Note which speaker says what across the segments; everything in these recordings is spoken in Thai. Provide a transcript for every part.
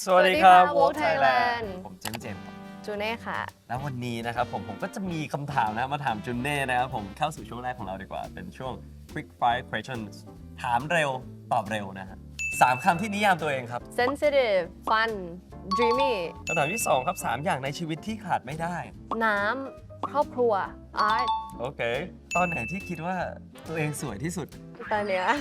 Speaker 1: สวัสดีครับ
Speaker 2: Woke Thailand
Speaker 1: ผมเจมส์ครับ
Speaker 2: จูเน่ค่ะ
Speaker 1: แล้ววันนี้นะครับผมก็จะมีคำถามนะมาถามจุนเน่นะครับผมเข้าสู่ช่วงแรกของเราดีกว่า เป็นช่วง quick fire questions ถามเร็วตอบเร็วนะฮะ3 คำที่นิยามตัวเองครับ
Speaker 2: sensitive fun dreamy
Speaker 1: คำถามที่ 2 ครับ 3 อย่างในชีวิตที่ขาดไม่ได้
Speaker 2: น้ำครอบครัว art
Speaker 1: โอเค ตอนไหนที่คิดว่าตัวเองสวยที่สุด
Speaker 2: ตอนเนี้ย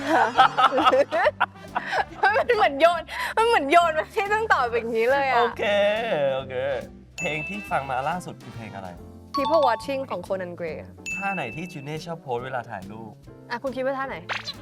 Speaker 2: มันเหมือนโยนมาที่ต้องตอบอย่างนี้เลย
Speaker 1: โอ
Speaker 2: อะ
Speaker 1: เค โอเค เพลงที่ฟังมาล่าสุดคือเพลงอะไร
Speaker 2: People watching ของ Conan Gray
Speaker 1: ท่าไหนที่จุนเน่ชอบโพสเวลาถ่ายรูป
Speaker 2: อ่ะคุณคิดว่าท่าไหน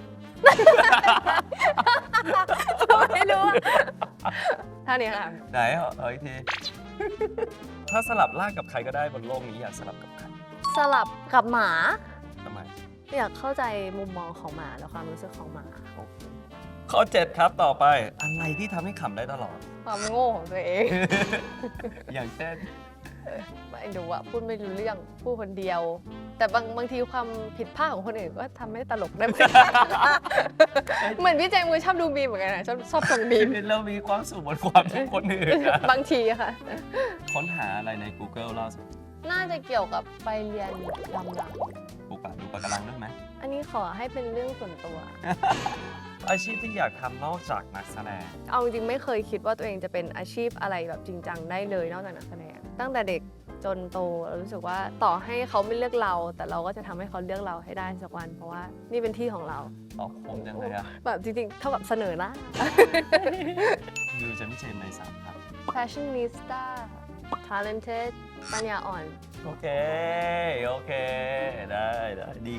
Speaker 2: ไม่รู้อะท่านี้ค่ะ
Speaker 1: ไหนเอาอีกที ถ้าสลับร่างกับใครก็ได้บนโลกนี้อยากสลับกับใคร
Speaker 2: สลับกับหมา
Speaker 1: ทำไม
Speaker 2: อยากเข้าใจมุมมองของหมาและความรู้สึกของหมา
Speaker 1: โอเคข้อ 7 ครับต่อไป อะไรที่ทำให้ขำได้ตลอด
Speaker 2: ความโง่ของตัวเอง
Speaker 1: อย่างเช่น
Speaker 2: ไม่รู้อะพูดไม่รู้เรื่องพูดคนเดียว แต่บางทีความผิดพลาดของคนอื่นก็ทำให้ตลกได้เหมือนกัน เหมือนพี่เจมส์ชอบดูมีมเหมือนกันนะชอบชมมีม
Speaker 1: เรามีความสุขบนความทุกข์คนอื่นนะ
Speaker 2: บางทีอะค่ะ
Speaker 1: ค้นหาอะไรใน Google ล่าสุด
Speaker 2: น่าจะเกี่ยวกับไปเรียนดำน้
Speaker 1: ปลูกป่าดูปะการังด้วยไหม
Speaker 2: ำอันนี้ขอให้เป็นเรื่องส่วนตัว
Speaker 1: อาชีพที่อยากทำนอกจากนักแสดง
Speaker 2: เอาจริงๆไม่เคยคิดว่าตัวเองจะเป็นอาชีพอะไรแบบจริงจังได้เลยนอกจากนักแสดงตั้งแต่เด็กจนโตเรารู้สึกว่าต่อให้เขาไม่เลือกเรา แต่เราก็จะทำให้เขาเลือกเราให้ได้สักวัน เพราะว่านี่เป็นที่ของเรา
Speaker 1: ตอบคมจังเลยอะ
Speaker 2: แบบจริงๆเท่ากับเสนอหน้า
Speaker 1: ยูจะไม่เจนใน3 ครับ
Speaker 2: fashionista talented ปัญญาอ่อน
Speaker 1: โอเค โอเค ได้ดี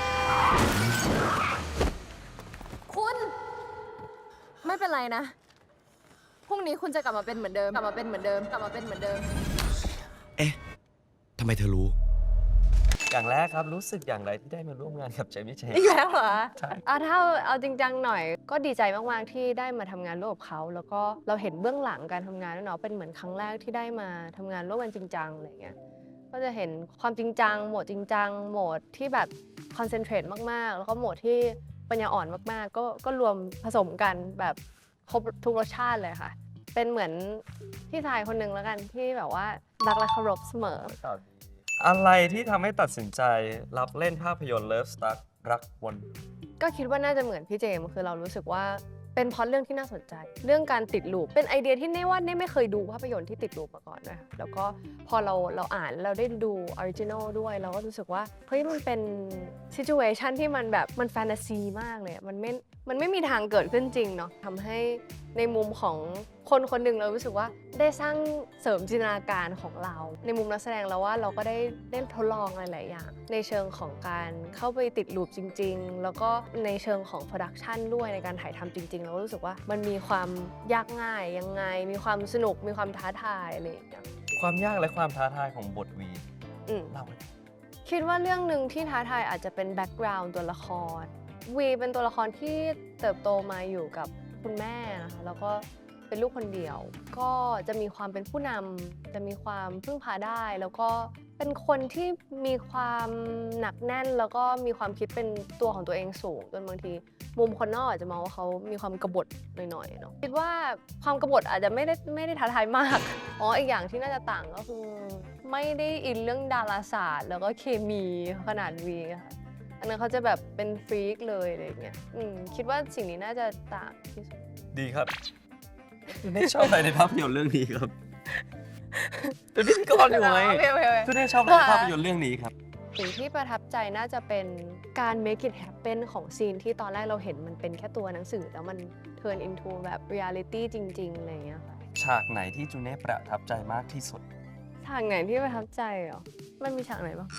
Speaker 2: คุณไม่เป็นไรนะ พรุ่งนี้คุณจะกลับมาเป็นเหมือนเดิม กลับมาเป็นเหมือนเดิม กลับมาเป็นเหมือนเดิม
Speaker 3: เอ๊ะ ทำไมเธอรู้
Speaker 1: อย่างแรกครับรู้สึกอย่างไรที่ได้มาร่วมงานกับเจมี่เจน
Speaker 2: อีกแล้วเหรอ
Speaker 1: ใช่
Speaker 2: ถ้าเอาจริงจังหน่อย ก็ดีใจมากๆที่ได้มาทำงานร่วมกับเขา แล้วก็เราเห็นเบื้องหลังการทำงานด้วยเนาะ เป็นเหมือนครั้งแรกที่ได้มาทำงานร่วมกันจริงจังอะไรเงี้ย ก็จะเห็นความจริงจัง โหมดจริงจัง โหมดที่แบบคอนเซนเทรตมากๆ แล้วก็โหมดที่ปัญญาอ่อนมากๆ ก็รวมผสมกันแบบครบทุกรสชาติเลยค่ะ เป็นเหมือนพี่ชายคนหนึ่งแล้วกันที่แบบว่ารักและเคารพเสมอ
Speaker 1: อะไรที่ทำให้ตัดสินใจรับเล่นภาพยนตร์ Love Stuck รักวน
Speaker 2: ก็คิดว่าน่าจะเหมือนพี่เจมส์คือเรารู้สึกว่าเป็นพล็อตเรื่องที่น่าสนใจ เรื่องการติดลูปเป็นไอเดียที่เน่ว่าเน่ไม่เคยดูภาพยนตร์ที่ติดลูปมาก่อนนะคะแล้วก็พอเราอ่านเราได้ดูออริจินอลด้วยเราก็รู้สึกว่าเฮ้ยมันเป็นซิจูเอชันที่มันแบบมันแฟนตาซีมากเลยมันไม่มีทางเกิดขึ้นจริงเนาะทำให้ในมุมของคนคนหนึ่งเรารู้สึกว่าได้สร้างเสริมจินตนาการของเรา ในมุมนักแสดงเราว่าเราก็ได้ทดลองหลายๆอย่างในเชิงของการเข้าไปติดลูปจริงๆ แล้วก็ในเชิงของโปรดักชันด้วยในการถ่ายทำจริงๆ เราก็รู้สึกว่ามันมีความยากง่ายยังไง มีความสนุกมีความท้าทายอะไรอย่างเงี้ย
Speaker 1: ความยากและความท้าทายของบทวี
Speaker 2: อืม
Speaker 1: เล่าให้ฟัง
Speaker 2: คิดว่าเรื่องหนึ่งที่ท้าทายอาจจะเป็นแบ็กกราวด์ตัวละครวีเป็นตัวละครที่เติบโตมาอยู่กับคุณแม่นะคะแล้วก็เป็นลูกคนเดียว ก็จะมีความเป็นผู้นำจะมีความพึ่งพาได้ แล้วก็เป็นคนที่มีความหนักแน่น แล้วก็มีความคิดเป็นตัวของตัวเองสูงจนบางทีมุมคนนอกอาจจะมองว่าเขามีความกบฏหน่อยๆเนาะคิดว่าความกบฏอาจจะไม่ได้ท้าทายมากอีกอย่างที่น่าจะต่างก็คือไม่ได้อินเรื่องดาราศาสตร์ แล้วก็เคมีขนาดวีค่ะอันนั้นเขาจะแบบเป็นฟรีกเลยอะไรอย่างเงี้ยคิดว่าสิ่งนี้น่าจะต่างที่สุด
Speaker 1: ดีครับคุณเน่ชอบอะไรในภาพยนตร์เรื่องนี้ครับ เป็นพิธีกรอยู่ไหม
Speaker 2: โอเค
Speaker 1: คุณเน่ชอบอะไรในภาพยนตร์เรื่องนี้ครับ
Speaker 2: สิ่งที่ประทับใจน่าจะเป็นการ make it happen ของซีนที่ตอนแรกเราเห็นมันเป็นแค่ตัวหนังสือแล้วมัน turn into แบบ reality จริงๆอะไรอย่างเงี้ยค่ะ
Speaker 1: ฉากไหนที่จูเน่ประทับใจมากที่สุด
Speaker 2: ฉากไหนที่ประทับใจเหรอมันมีฉากไหนบ้าง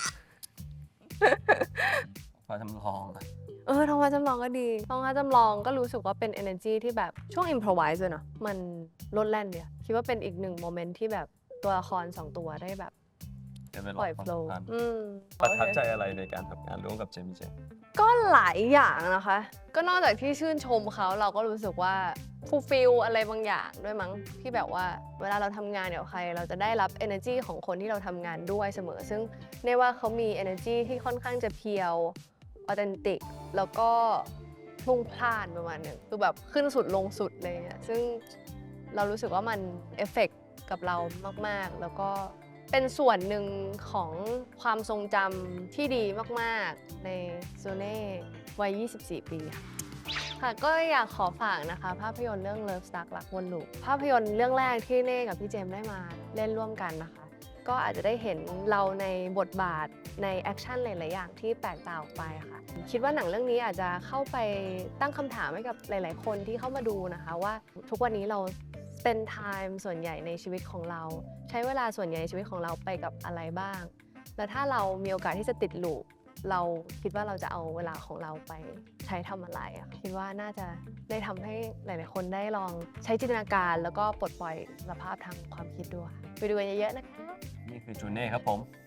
Speaker 1: พอจำลองอะ
Speaker 2: ท้องฟ้าจำลองก็ดีท้องฟ้าจำลองก็รู้สึกว่าเป็น energy ที่แบบช่วง improvise เลยเนาะมันโลดแล่นเดียคิดว่าเป็นอีกหนึ่งโมเมนต์ที่แบบตัวละคร2ตัวได้แบบ
Speaker 1: เดี๋ยวไปล
Speaker 2: ปล่อย
Speaker 1: ความ
Speaker 2: flow
Speaker 1: สัมพันธ์
Speaker 2: อืม
Speaker 1: ประทับใจอะไรในการทำงานร่วมกับเจมี่เจน
Speaker 2: ก็หลายอย่างนะคะ ก็นอกจากที่ชื่นชมเขาเราก็รู้สึกว่าฟูลฟิลอะไรบางอย่างด้วยมั้งที่แบบว่าเวลาเราทำงานเดี๋ยวใคร เราจะได้รับ energy ของคนที่เราทำงานด้วยเสมอ ซึ่งในว่าเขามี energy ที่ค่อนข้างจะเพียวออเทนติกแล้วก็พลุ่งพล่านประมาณหนึ่งคือแบบขึ้นสุดลงสุดเลยเนี่ยซึ่งเรารู้สึกว่ามันเอฟเฟกต์กับเรามากๆ แล้วก็เป็นส่วนหนึ่งของความทรงจำที่ดีมากๆในโซเน่วัย 24 ปีค่ะ ค่ะก็อยากขอฝากนะคะภาพยนตร์เรื่อง Love Stuck รักวนลูปภาพยนตร์เรื่องแรกที่เน่กับพี่เจมส์ได้มาเล่นร่วมกันนะคะ ก็อาจจะได้เห็นเราในบทบาทในแอคชั่นหลาย ๆ อย่างที่แปลกต่างออกไปค่ะ คิดว่าหนังเรื่องนี้อาจจะเข้าไปตั้งคำถามให้กับหลาย ๆ คนที่เข้ามาดูนะคะว่าทุกวันนี้เรา spend time ส่วนใหญ่ในชีวิตของเรา ใช้เวลาส่วนใหญ่ในชีวิตของเราไปกับอะไรบ้าง แล้วถ้าเรามีโอกาสที่จะติดลูปเราคิดว่าเราจะเอาเวลาของเราไปใช้ทำอะไรอะค่ะคิดว่าน่าจะได้ทำให้หลาย ๆ คนได้ลองใช้จินตนาการแล้วก็ปลดปล่อยสภาพทางความคิดด้วยไปดูกันเยอะ ๆ นะคะ
Speaker 1: นี่คือจูเน่ครับผม